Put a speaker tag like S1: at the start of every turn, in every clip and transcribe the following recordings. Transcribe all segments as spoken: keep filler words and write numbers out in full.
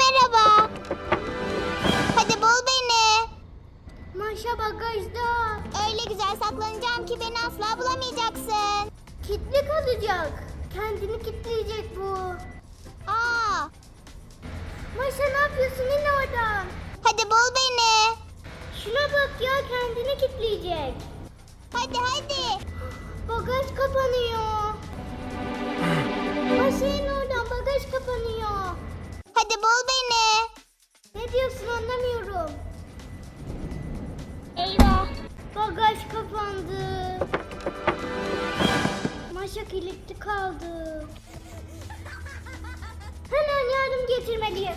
S1: merhaba. Hadi bul beni.
S2: Maşa bagajda.
S1: Öyle güzel saklanacağım ki beni asla bulamayacaksın.
S2: Kilitli kalacak. Kendini kilitleyecek bu.
S1: Aa,
S2: Maşa ne yapıyorsun? İn oradan.
S1: hadi bul beni.
S2: Şuna bak ya, kendini kilitleyecek.
S1: Hadi hadi.
S2: Bagaj kapanıyor. Maşa in oradan, bagaj kapanıyor.
S1: Hadi bul beni.
S2: Ne diyorsun, anlamıyorum.
S1: Eyvah.
S2: Bagaj kapandı. Maşa kilitli kaldı. Hemen yardım getirmeliyim.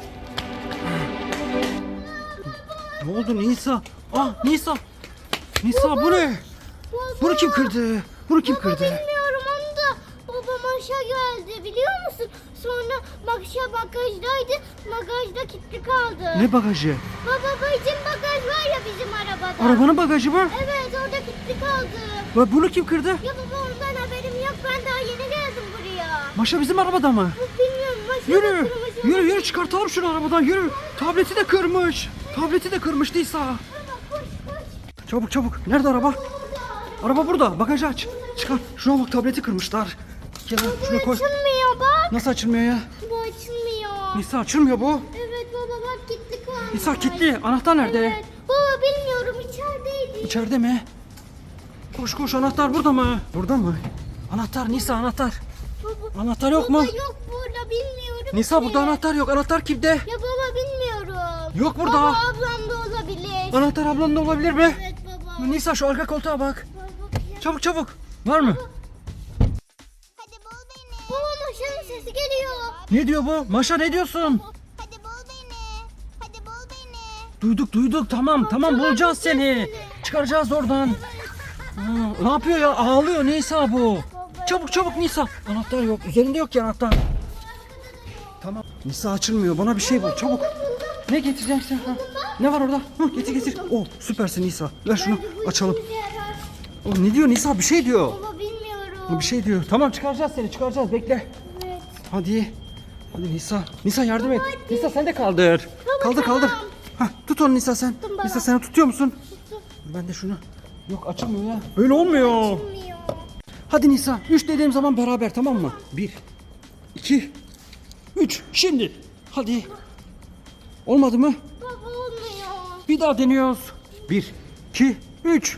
S3: Ne oldu Nisa? Ah Nisa. Nisa bu ne?
S2: Baba.
S3: Bunu kim kırdı? Bunu kim
S2: Baba
S3: kırdı?
S2: bilmiyorum onu da. Baba Maşa geldi biliyor musun? Sonra Maşa bagajdaydı. Bagajda kilitli kaldı.
S3: Ne bagajı?
S2: Baba bizim bagaj var ya bizim arabada.
S3: Arabanın bagajı mı?
S2: Evet orada kilitli kaldı.
S3: Ve bunu kim kırdı?
S2: Ya baba ondan haberim yok. Ben daha yeni geldim buraya.
S3: Maşa bizim arabada mı?
S2: Bilmiyorum Maşa
S3: Yürü.
S2: kırmızı-
S3: Yürü yürü çıkartalım şunu arabadan yürü. Tableti de kırmış. Tableti de kırmış Nisa.
S2: Baba koş koş.
S3: Çabuk çabuk. Nerede araba? Araba burada. Bagajı aç. Çıkar. Şuna bak tableti kırmışlar. Gel lan, şuna koy.
S2: Açılmıyor bak.
S3: Nasıl açılmıyor ya?
S2: Bu açılmıyor.
S3: Nisa açılmıyor bu.
S2: Evet baba bak kilitli kalmış.
S3: Nisa kilitli. Anahtar nerede?
S2: Evet. Baba bilmiyorum içerideydi.
S3: İçeride mi? Koş koş anahtar burada mı? Burada mı? Anahtar Nisa anahtar.
S2: Baba,
S3: Anahtar yok mu?
S2: baba yok burada bilmiyorum
S3: Nisa
S2: ki.
S3: burada anahtar yok. Anahtar kimde?
S2: Ya baba bilmiyorum.
S3: Yok burada.
S2: Baba ablam da olabilir.
S3: Anahtar ablanın da olabilir mi?
S2: Evet baba.
S3: Nisa şu arka koltuğa bak.
S2: Baba, bakayım.
S3: Çabuk çabuk. Var mı?
S1: Hadi bul beni.
S2: Baba Maşa'nın sesi geliyor.
S3: Ne diyor bu? Maşa ne diyorsun?
S1: Hadi bul beni. Hadi bul beni.
S3: Duyduk duyduk tamam tamam bulacağız seni. Çıkaracağız oradan. Aa, ne yapıyor ya? Ağlıyor Nisa bu. Çabuk çabuk Nisa. Anahtar yok. Üzerinde yok ki anahtar. Tamam. Nisa açılmıyor. Bana bir şey bul. Çabuk. Ne getireceksin? Ha? Ne var orada? Hı, getir getir. Oh süpersin Nisa. Ver şunu
S2: Bu
S3: açalım.
S2: işimize yarar.
S3: Oh, ne diyor Nisa? Bir şey diyor.
S2: Baba bilmiyorum.
S3: Bir şey diyor. Tamam çıkaracağız seni. Çıkaracağız. Bekle.
S2: Evet.
S3: Hadi. Hadi Nisa. Nisa yardım et. Nisa sen de kaldır. Kaldır
S2: tamam.
S3: kaldır. Hah, tut onu Nisa sen.
S2: Tuttum baba.
S3: Nisa sen tutuyor musun? Ben de şunu. Yok açılmıyor ya. Böyle olmuyor.
S2: Bilmiyor.
S3: Hadi Nisa. Üç dediğim zaman beraber tamam mı? Bir. iki, Üç. Şimdi. Hadi. Olmadı mı?
S2: Baba olmuyor.
S3: Bir daha deniyoruz. Bir. iki, Üç.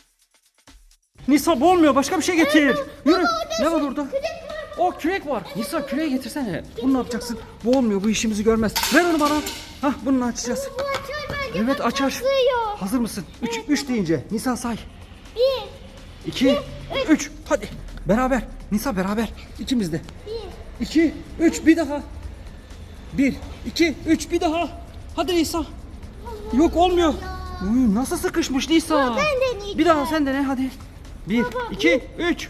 S3: Nisa bu olmuyor. Başka bir şey getir. Yürü. Ne var orada? O kürek var. Nisa küreği getirsene. Bunu ne yapacaksın? Bu olmuyor. Bu işimizi görmez. Ver onu bana. Hah bununla açacağız.
S2: Bu açar bence.
S3: Evet
S2: bak,
S3: açar.
S2: patlıyor.
S3: Hazır mısın? Üç, üç deyince. Nisa say.
S2: Bir.
S3: İki, üç. Hadi. Beraber. Nisa beraber. İkimiz de.
S2: Bir.
S3: İki, üç. Bir daha. Bir, iki, üç. Bir daha. Hadi Nisa. Yok olmuyor. Uy, nasıl sıkışmış Nisa?
S2: ben deneyeceğim.
S3: Bir daha sen dene hadi. Bir, iki, üç.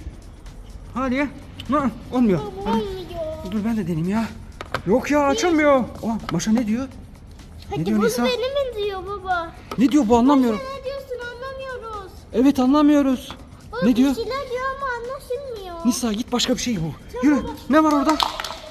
S3: Hadi. Ha, olmuyor.
S2: Baba
S3: Hadi.
S2: olmuyor.
S3: Dur ben de deneyeyim ya. Yok ya açılmıyor. Oh, Maşa ne diyor?
S2: Hadi
S3: diyor
S2: bunu
S3: Nisa?
S2: benim mi diyor baba?
S3: Ne diyor bu anlamıyorum.
S2: Ne diyorsun anlamıyoruz.
S3: Evet anlamıyoruz.
S2: Baba
S3: Ne diyor?
S2: Bir şeyler diyor ama anlaşılmıyor.
S3: Nisa git başka bir şey bul. Yürü. Ne var orada?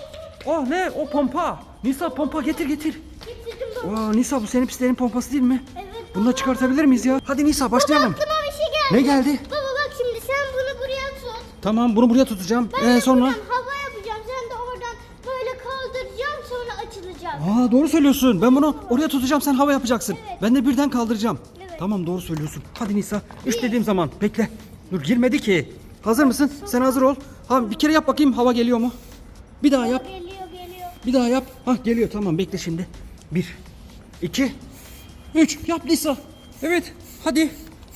S3: Oh ne? O pompa. Nisa pompa getir getir.
S2: Getirdim baba.
S3: Aa, Nisa bu senin pislerin pompası değil mi?
S2: Evet
S3: Bunu da çıkartabilir miyiz ya? Hadi Nisa başlayalım.
S2: Aklıma bir şey geldi.
S3: Ne geldi?
S2: Baba bak şimdi sen bunu buraya tut.
S3: Tamam bunu buraya tutacağım.
S2: Ben
S3: Ee,
S2: de
S3: sonra?
S2: buradan hava yapacağım. Sen de oradan böyle kaldıracağım sonra açılacak.
S3: Aa doğru söylüyorsun. Ben bunu oraya tutacağım sen hava yapacaksın.
S2: Evet.
S3: Ben de birden kaldıracağım.
S2: Evet.
S3: Tamam doğru söylüyorsun. Hadi Nisa. Üç dediğim zaman bekle. Dur girmedi ki. Hazır mısın? Sen hazır ol. Ha, bir kere yap bakayım hava geliyor mu? Bir daha yap.
S2: Geliyor geliyor.
S3: Bir daha yap. Hah geliyor tamam bekle şimdi. Bir, iki, üç. Yap Nisa. Evet hadi.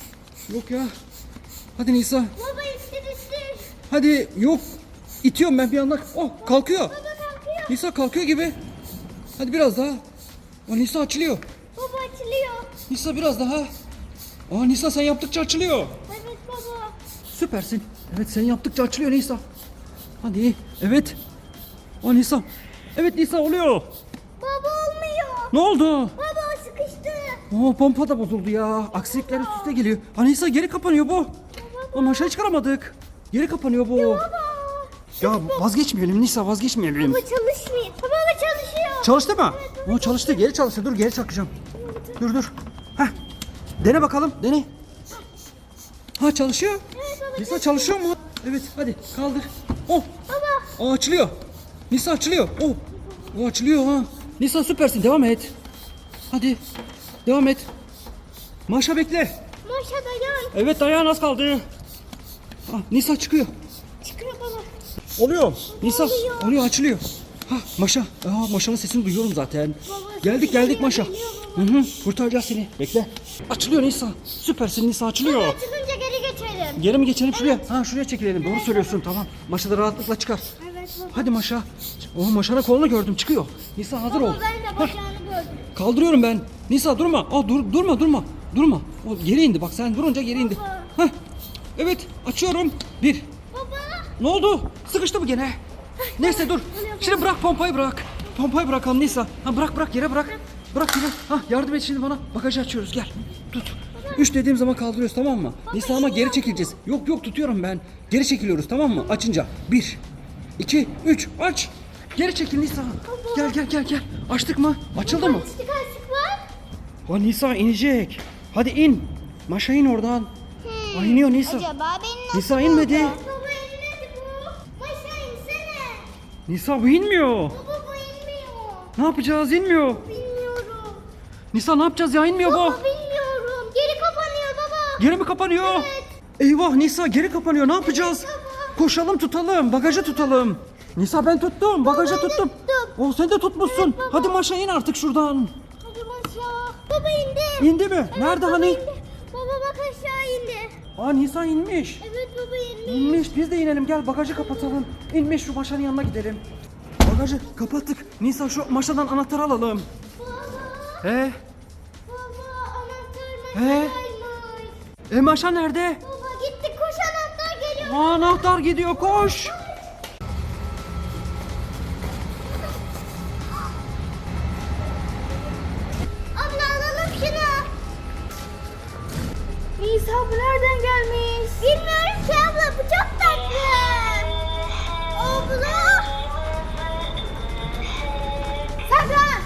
S3: Yok ya. Hadi Nisa.
S2: Baba ittir ittir.
S3: Hadi yok. İtiyorum ben bir anda. Oh kalkıyor.
S2: Baba kalkıyor.
S3: Nisa kalkıyor gibi. Hadi biraz daha. Aa, Nisa açılıyor.
S2: Baba açılıyor.
S3: Nisa biraz daha. Aa Nisa sen yaptıkça açılıyor.
S2: Evet baba.
S3: Süpersin. Evet sen yaptıkça açılıyor Nisa. Hadi. Evet. Aa Nisa. Evet Nisa oluyor.
S2: Baba olmuyor.
S3: Ne oldu?
S2: Baba sıkıştı.
S3: Oo pompa da bozuldu ya. Aksilikler üst üste geliyor. Ha Nisa geri kapanıyor bu. Ama aşağı çıkaramadık. Geri kapanıyor bu.
S2: Baba.
S3: Ya vazgeçmeyelim Nisa, vazgeçmeyelim.
S2: Baba çalışmıyor. Baba çalışıyor.
S3: Çalıştı mı? O çalıştı, geri çalıştı. Dur geri çakacağım. Dur dur. Heh. Dene bakalım, dene. Ha çalışıyor. Nisa çalışıyor mu? Evet hadi kaldır. Oh.
S2: Baba.
S3: Aa, açılıyor. Nisa açılıyor. Oh. O açılıyor ha. Nisa süpersin, devam et. Hadi. Devam et. Maşa bekle.
S2: Maşa dayan.
S3: Evet dayan, az kaldı. Ah, Nisa çıkıyor.
S2: Çıkıyor baba.
S3: Oluyor. Nisa
S2: Oluyor.
S3: oluyor, açılıyor. Ha Maşa. Aa, Maşa'nın sesini duyuyorum zaten.
S2: Baba,
S3: Geldik geldik Maşa.
S2: geliyor
S3: Hı hı. Kurtaracağız seni. Bekle. Açılıyor Nisa. Süpersin Nisa, açılıyor.
S2: Baba çıkınca geri geçelim.
S3: Geri mi geçelim şuraya? Ha şuraya çekilelim. Doğru söylüyorsun, tamam. Maşa da rahatlıkla çıkar.
S2: Evet baba.
S3: Hadi Maşa. Oh, Maşa'nın kolunu gördüm, çıkıyor. Nisa hazır ol.
S2: Baba ben de bacağını gördüm.
S3: Kaldırıyorum ben. Nisa durma. Aa, dur, durma durma. Durma. O geri indi, bak sen durunca geri indi. Heh. Evet açıyorum. Bir.
S2: Baba.
S3: Ne oldu? Sıkıştı mı gene? Neyse dur. Şimdi bırak pompayı, bırak. Pompayı bırakalım Nisa. Ha bırak bırak yere bırak. Bırak yere. Ha yardım et şimdi bana. Bagajı açıyoruz, gel. Tut. Üç dediğim zaman kaldırıyoruz, tamam mı? Nisa ama geri çekileceğiz. Yok yok tutuyorum ben. Geri çekiliyoruz, tamam mı? Açınca. Bir. iki, üç. Aç. Geri çekil Nisa. Gel gel gel gel. Açtık mı? Açıldı mı?
S2: Açtık açtık var.
S3: Ha Nisa inecek. Hadi in. Maşa in oradan. Ay iniyor Nisa.
S1: Acaba benim nasıl
S3: Nisa inmedi.
S1: oldu?
S2: Baba inmedi bu. Maşa insene.
S3: Nisa bu inmiyor.
S2: Baba bu inmiyor.
S3: Ne yapacağız? İnmiyor.
S2: Bilmiyorum.
S3: Nisa ne yapacağız ya? İnmiyor bu.
S2: Baba bilmiyorum. Geri kapanıyor baba.
S3: Geri mi kapanıyor? Eyvah Nisa, geri kapanıyor. Ne yapacağız? Koşalım, tutalım. Bagajı tutalım. Nisa ben tuttum. Bagajı tuttum.
S2: tuttum.
S3: Oh sen de tutmuşsun. Hadi Maşa in artık şuradan.
S2: Hadi Maşa. Baba indi.
S3: İndi mi? Nerede
S2: Baba
S3: hani?
S2: indi. Baba bak aşağı indi.
S3: Aa Nisa inmiş.
S2: Evet baba indi.
S3: İnmiş. Biz de inelim. Gel bagajı kapatalım. İnmiş, şu Maşa'nın yanına gidelim. Bagajı kapattık. Nisa şu Maşa'dan anahtarı alalım.
S2: Baba.
S3: He?
S2: Baba anahtar
S3: He?
S2: Maşa'ymış.
S3: E Maşa nerede?
S2: Baba gitti koş anahtar geliyor.
S3: Aa, anahtar gidiyor, koş.
S2: Abla alalım şunu. Nisa bu nereden gelmiş? Bilmiyorum ki abla, bu çok tatlı. Abla. Saklan.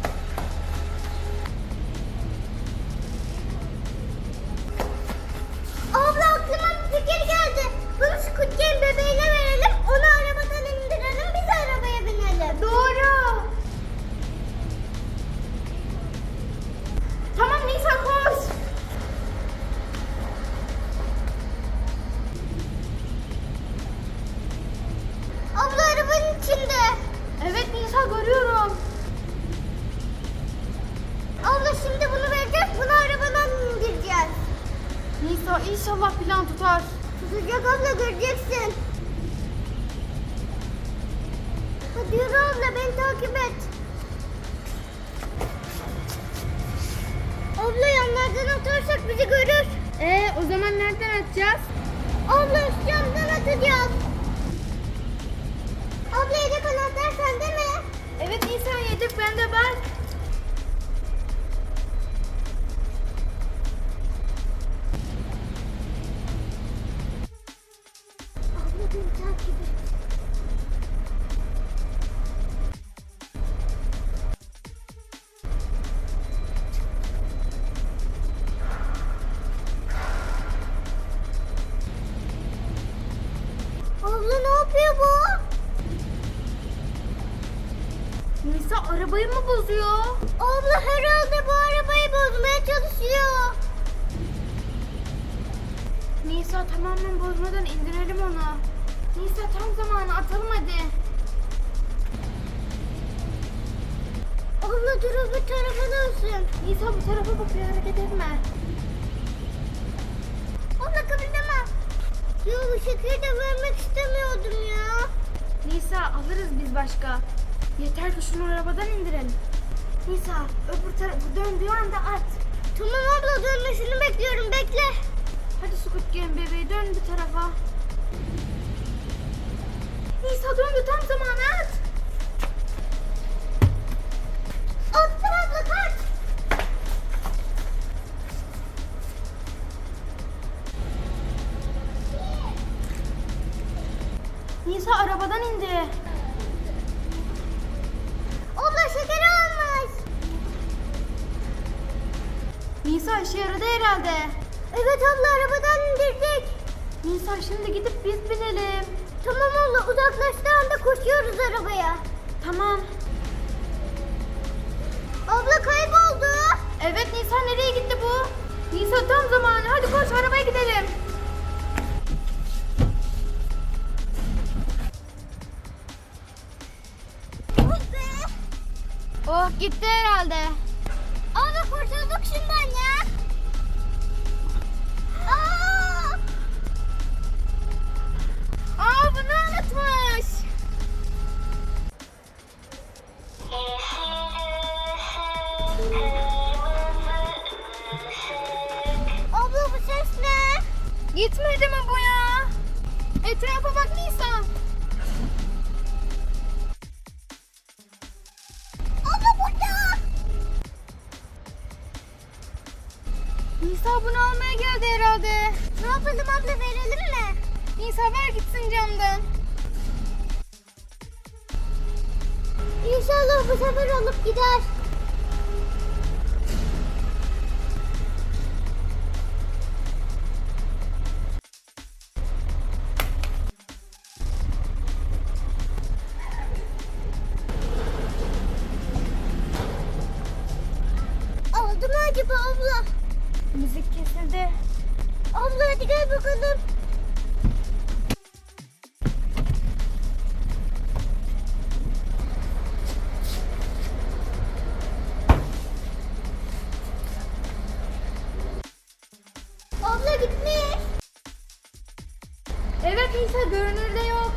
S2: Abla aklıma bir fikir geldi. Bunu Squid Game bebeğine verelim. Onu arabadan indirelim. Biz arabaya binelim. Doğru. Tamam Nisa koş. Abla arabanın içinde. Evet Nisa görüyorum. Abla şimdi bunu vereceğiz. Bunu arabadan indireceğiz. Nisa inşallah plan tutar. Tutacak abla, göreceksin. Hadi yürü abla, beni takip et. Abla yanlardan atarsak bizi görür. Ee, o zaman nereden atacağız? Abla üst camdan atacağız. Abla yedek anahtar sende mi? Evet Nisan, yedek bende var. Abla beni takip et. Abla ne yapıyor bu? Nisa arabayı mı bozuyor? Abla herhalde bu arabayı bozmaya çalışıyor. Nisa tamamen bozmadan indirelim onu. Nisa tam zamanı, atalım hadi. Abla dur, öbür tarafa dönsün. Nisa bu tarafa bakıyor, hareket etme. Abla kıpırdama. Ya bu şekeri de vermek istemiyordum ya. Nisa alırız biz başka. Yeter ki şunu arabadan indirelim. Nisa öbür tarafı döndüğü anda at. Tamam abla, dönmesini bekliyorum, bekle. Hadi Squid Game bebeği dön bir tarafa. Nisa döndü, tam zamanı at. Attım abla, kaç. Nisa arabadan Nisa işe yaradı herhalde. Evet abla arabadan indirdik. Nisa şimdi gidip biz binelim. Tamam abla uzaklaştığı anda koşuyoruz arabaya. Tamam. Abla kayboldu. Evet Nisa nereye gitti bu? Nisa tam zamanı. Hadi koş arabaya gidelim. Oh gitti herhalde.
S1: Abla kurtulduk şundan ya. Aa!
S2: Aa bunu unutmuş.
S1: Abla bu ses ne?
S2: Gitmedi mi bu ya? Etrafa bak Nisa.
S1: Abla burada.
S2: Nisa bunu almaya geldi herhalde.
S1: Ne yapalım abla verelim mi?
S2: Nisa ver gitsin camdan.
S1: İnşallah bu sefer alıp gider. Aldı mı acaba abla?
S2: Müzik kesildi.
S1: Abla hadi gel bakalım. Abla gitmiş.
S2: Evet Nisa görünürde yok.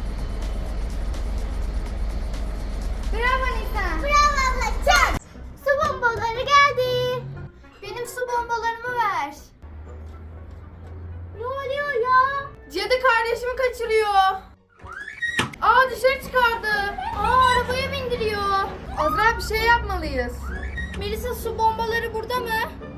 S2: Bravo Nisa.
S1: Bravo abla çak. Su bombaları geldi.
S2: Benim su bombalarımı ver.
S1: Ne oluyor ya?
S2: Cadı kardeşimi kaçırıyor. Aa dışarı çıkardı. Aa arabaya bindiriyor. Azra bir şey yapmalıyız. Melisa su bombaları burada mı?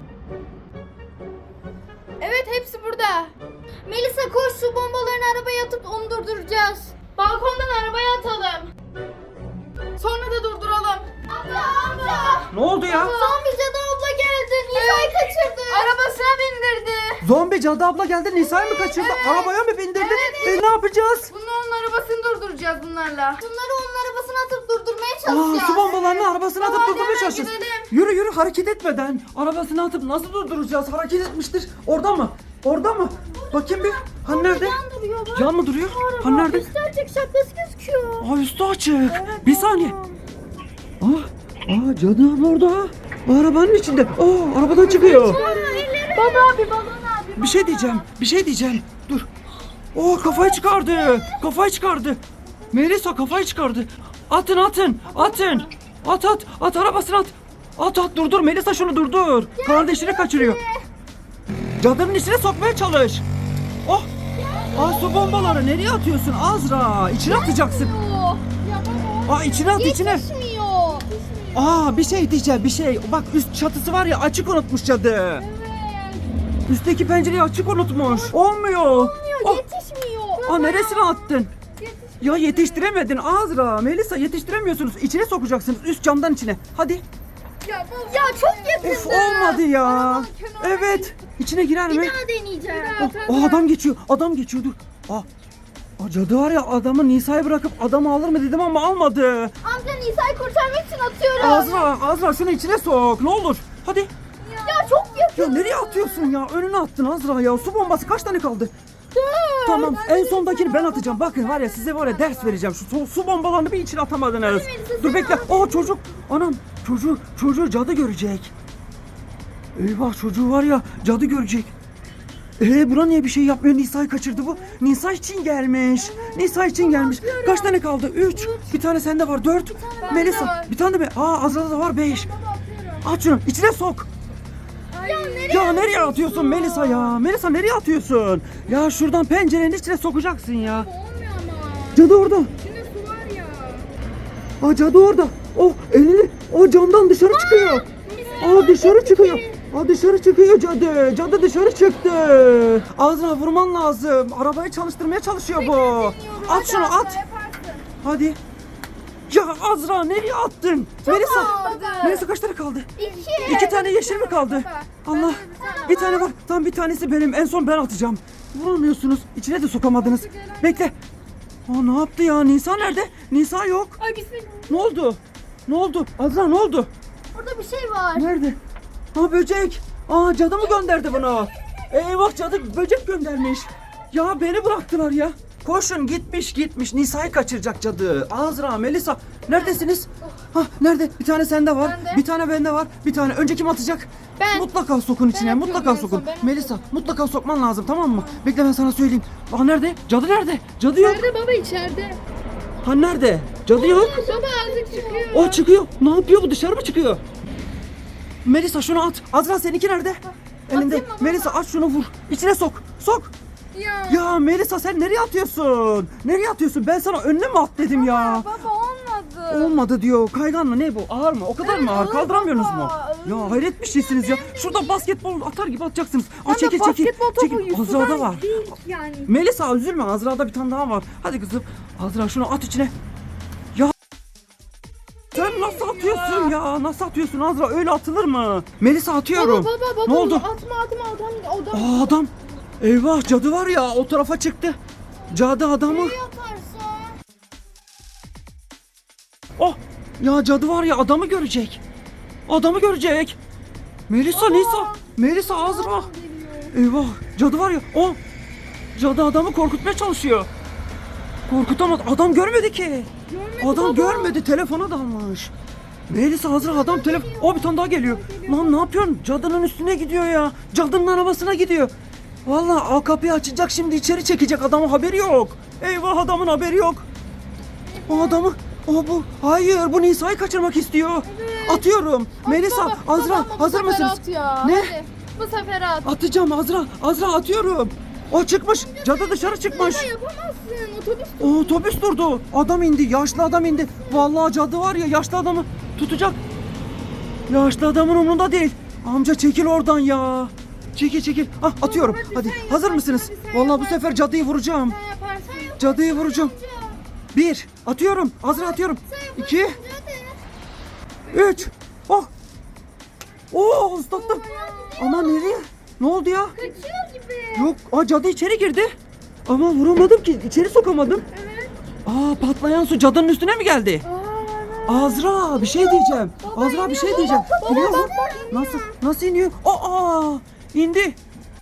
S2: Evet hepsi burada. Melisa koş su bombalarını arabaya atıp onu durduracağız. Balkondan arabaya atalım. Sonra da durduralım. Abla abla.
S3: Ne oldu ya?
S2: Zombi cadı abla geldi. Nisa'yı kaçırdı. Arabasına bindirdi.
S3: Zombi cadı abla geldi, Nisa'yı mı kaçırdı? Arabaya mı bindirdi?
S2: Evet.
S3: E ne yapacağız?
S2: Bunu onun arabasını durduracağız bunlarla. Bunları onun arabasına atıp durdurmaya
S3: Aa,
S2: çalışacağız.
S3: su bombalarını arabasına atıp
S2: Hadi
S3: durdurmaya
S2: hemen
S3: çalışacağız.
S2: gidelim.
S3: Yürü yürü, hareket etmeden arabasına atıp nasıl durduracağız? Hareket etmiştir. Orada mı? Orada mı? Bakayım bir. Hani nerede?
S2: Yan duruyor bak.
S3: Yan mı duruyor? Hani nerede?
S2: Üstü açık şapkası gözüküyor.
S3: Aa, üstü açık. Bir saniye. Aa, aa cadı abla orada. Arabanın içinde. Aa, arabadan çıkıyor.
S2: Baba abi balon abi.
S3: Bir şey diyeceğim. Bir şey diyeceğim. Dur. Oo, kafayı çıkardı. Kafayı çıkardı. Melisa kafayı çıkardı. Atın atın. Atın. At at. At arabasını at. At at durdur. Melisa şunu durdur. Kardeşini kaçırıyor. Cadının içine sokmaya çalış. Oh. Aa, su bombaları nereye atıyorsun Azra? İçine atacaksın. Aa, içine at içine.
S2: Yetişmiyor.
S3: Aa, bir şey diyeceğim bir şey. Bak üst çatısı var ya, açık unutmuş cadı. Üstteki pencereyi açık unutmuş. Olmuyor.
S2: Olmuyor
S3: Oh.
S2: yetişmiyor.
S3: Aa, neresine attın? Ya yetiştiremedin Azra. Melisa yetiştiremiyorsunuz. İçine sokacaksınız. Üst camdan içine. Hadi.
S2: Ya, ya çok yakındı.
S3: Of, olmadı ya. Evet. İçine girer mi?
S2: Bir daha deneyeceğim.
S3: Oh, aa, adam geçiyor. Adam geçiyor dur. Aa. Aa, cadı var ya, adamı Nisa'yı bırakıp adamı alır mı dedim ama almadı.
S2: Amca Nisa'yı kurtarmak için atıyorum.
S3: Azra, Azra şunu içine sok. Ne olur. Hadi.
S2: Ya çok yakın.
S3: Ya nereye atıyorsun ya? Önüne attın Azra ya. Su bombası kaç tane kaldı? Tamam, en sondakini ben atacağım. Bakın var ya, size var ya ders vereceğim. Şu su, su bombalarını bir içine atamadınız. Dur bekle. Aa, çocuk. Anam, çocuğu, çocuğu cadı görecek. Eyvah, çocuğu var ya cadı görecek. Ee, buna niye bir şey yapmıyor? Nisa'yı kaçırdı bu. Nisa için gelmiş. Nisa için gelmiş. Kaç tane kaldı? Üç. Bir tane sende var. Dört. Melisa.
S2: var.
S3: Bir tane de be. Aa, Azra'da da var. Beş. Aç şunu. İçine sok.
S2: Ya nereye?
S3: Ya nereye atıyorsun Melisa ya? Melisa nereye atıyorsun? Ya şuradan pencerenin içine sokacaksın ya.
S2: Olmuyor ama.
S3: Cadı orada.
S2: İçinde su var ya.
S3: Aa, cadı orada. Oh, elini. O camdan dışarı çıkıyor. Aa, dışarı çıkıyor. Aa, dışarı çıkıyor cadı. Cadı dışarı çıktı. Azra vurman lazım. Arabayı çalıştırmaya çalışıyor bu. At şunu at.
S2: Yaparsın.
S3: Hadi. Ya Azra nereye attın? Melisa.
S2: kaldı.
S3: Melisa kaç tane kaldı?
S2: İki.
S3: İki tane yeşil mi kaldı? Allah. Bir tane var. Tam bir tanesi benim. En son ben atacağım. Vuramıyorsunuz. İçine de sokamadınız. Bekle. Aa, ne yaptı ya? Nisa nerede? Nisa yok.
S2: Ay bismillah.
S3: Ne oldu? Ne oldu? Azra ne oldu?
S2: Orada bir şey var.
S3: Nerede? Ha böcek. Aa cadı mı gönderdi bunu? Eyvah cadı böcek göndermiş. Ya beni bıraktılar ya. Koşun gitmiş gitmiş. Nisa'yı kaçıracak cadı. Azra, Melisa neredesiniz? Ha nerede? Bir tane sende var.
S2: Bende.
S3: Bir tane bende var. Bir tane. Önce kim atacak?
S2: Ben.
S3: Mutlaka sokun içine.
S2: atıyorum
S3: Mutlaka
S2: en son,
S3: sokun.
S2: ben
S3: Melisa mutlaka sokman lazım tamam mı? Bekle ben sana söyleyeyim. Aa nerede? Cadı nerede? Cadı yok.
S2: Nerede baba içeride?
S3: Ha nerede? Cadı yok.
S2: Baba azıcık çıkıyor.
S3: O çıkıyor. Ne yapıyor bu? Dışarı mı çıkıyor? Melisa şunu at. Azra seninki nerede? Elinde.
S2: Atayım mı baba?
S3: Melisa at şunu vur. İçine sok. Sok.
S2: Ya.
S3: Ya Melisa sen nereye atıyorsun? Nereye atıyorsun? Ben sana önüne mi at dedim ya?
S2: Baba olmadı.
S3: Olmadı diyor. Kaygan mı ne bu? Ağır mı? O kadar mı ağır?
S2: ağır
S3: Kaldıramıyorsunuz mu?
S2: baba,
S3: Ya hayret bir şeysiniz ya. Şurada basketbol atar gibi atacaksınız. Aa,
S2: Ama
S3: çekil çekil.
S2: basketbol topu
S3: Çekil. Azra'da
S2: Yusuf'tan
S3: var.
S2: değil yani.
S3: Melisa üzülme. Azra'da bir tane daha var. Hadi kızım. Azra şunu at içine. Ya sen nasıl atıyorsun ya? Nasıl atıyorsun Azra? Öyle atılır mı? Melisa atıyorum.
S2: Baba baba baba.
S3: Ne oldu?
S2: Atma atma adam adam.
S3: Aa, adam. Eyvah cadı var ya o tarafa çıktı. Cadı adamı.
S2: Yaparsa.
S3: Oh ya cadı var ya adamı görecek. Adamı görecek. Melisa Nisa. Melisa Azra. Eyvah cadı var ya. O cadı adamı korkutmaya çalışıyor. Korkutamaz. Adam görmedi ki.
S2: Görmedi
S3: Adam
S2: baba.
S3: görmedi. Telefona dalmış. Melisa Azra adam telefon. O bir tane daha geliyor. Lan ne yapıyorsun? Cadının üstüne gidiyor ya. Cadının arabasına gidiyor. Vallahi o kapıyı açacak şimdi içeri çekecek adamın haberi yok. Eyvah adamın haberi yok. O adamı o bu. Hayır bu Nisa'yı kaçırmak istiyor. Atıyorum. Melisa
S2: Baba,
S3: Azra
S2: baba, bu
S3: hazır
S2: sefer
S3: mısınız?
S2: At ya.
S3: Ne?
S2: Hadi. Bu sefer at.
S3: Atacağım Azra. Azra atıyorum. O çıkmış. Cadı dışarı çıkmış.
S2: Baba yapamazsın. Otobüs.
S3: O otobüs durdu. Adam indi. Yaşlı adam indi. Vallahi cadı var ya yaşlı adamı tutacak. Yaşlı adamın umurunda değil. Amca çekil oradan ya. Çekil çekil. Ah atıyorum.
S2: hadi
S3: Hadi.
S2: sen
S3: Hazır
S2: yaparsın,
S3: mısınız?
S2: hadi sen
S3: Vallahi bu
S2: yaparsın.
S3: sefer cadıyı vuracağım.
S2: Sen yaparsın.
S3: Cadıyı vuracağım. Bir. Atıyorum. Azra atıyorum. İki. Üç. Oh. Oo ıslattım. Ama nereye? Ne oldu ya?
S2: Kaçıyor gibi.
S3: Yok. Aa cadı içeri girdi. Ama vuramadım ki. İçeri sokamadım.
S2: Evet.
S3: Aa patlayan su cadının üstüne mi geldi?
S2: Aa,
S3: Azra bir şey diyeceğim. Azra bir şey diyeceğim.
S2: Baba,
S3: Biliyor musun?
S2: baba, iniyor.
S3: Nasıl? Nasıl iniyor? Aa indi.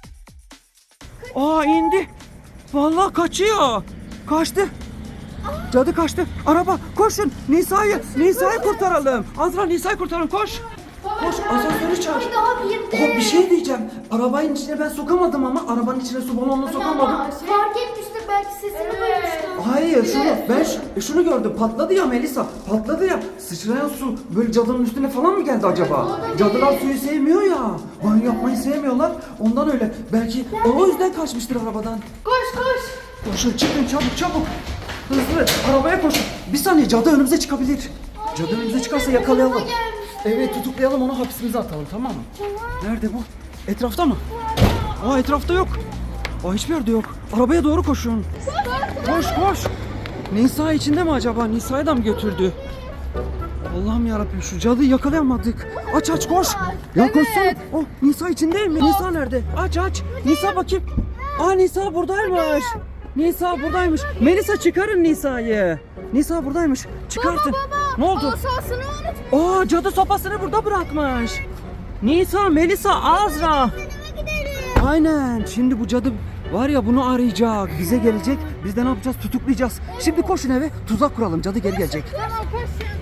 S3: Aa indi. Vallahi kaçıyor. Kaçtı. Cadı kaçtı. Araba koşun. Nisa'yı Nisa'yı kurtaralım. Azra Nisa'yı kurtaralım koş. Koş asansörü çağır.
S2: daha bir
S3: Aa, bir şey diyeceğim. Arabanın içine ben sokamadım ama arabanın içine su balonunu sokamadım.
S2: Fark etmiştir belki sesini duymuştur.
S3: Hayır şunu ben ş- şunu gördüm patladı ya Melisa patladı ya sıçrayan su böyle cadının üstüne falan mı geldi acaba? Cadılar suyu sevmiyor ya banyo yapmayı sevmiyorlar ondan öyle belki o yüzden kaçmıştır arabadan.
S2: Koş koş.
S3: Koşun çıkın çabuk çabuk hızlı arabaya koşun bir saniye cadı önümüze çıkabilir. Cadı önümüze çıkarsa yakalayalım. Evet tutuklayalım onu hapsimize atalım tamam mı? Nerede bu? Etrafta mı? Aa etrafta yok. Aa hiçbir yerde yok. Arabaya doğru koşun. Koş koş. Nisa içinde mi acaba? Nisa'yı da mı götürdü? Allah'ım yarabbim şu cadıyı yakalayamadık. Aç aç koş. Ya koşsana. Oh Nisa içinde mi? Nisa nerede? Aç aç. Nisa bakayım. Aa Nisa buradaymış. Nisa buradaymış. Melisa çıkarın Nisa'yı. Nisa buradaymış. Çıkartın. Ne oldu?
S2: Asasını unutma.
S3: Aa cadı sopasını burada bırakmış. Nisa, Melisa, Azra. Aynen. Şimdi bu cadı var ya bunu arayacak. Bize gelecek. Biz de ne yapacağız? Tutuklayacağız. Şimdi koşun eve. Tuzak kuralım. Cadı geri gelecek.
S2: Tamam koş.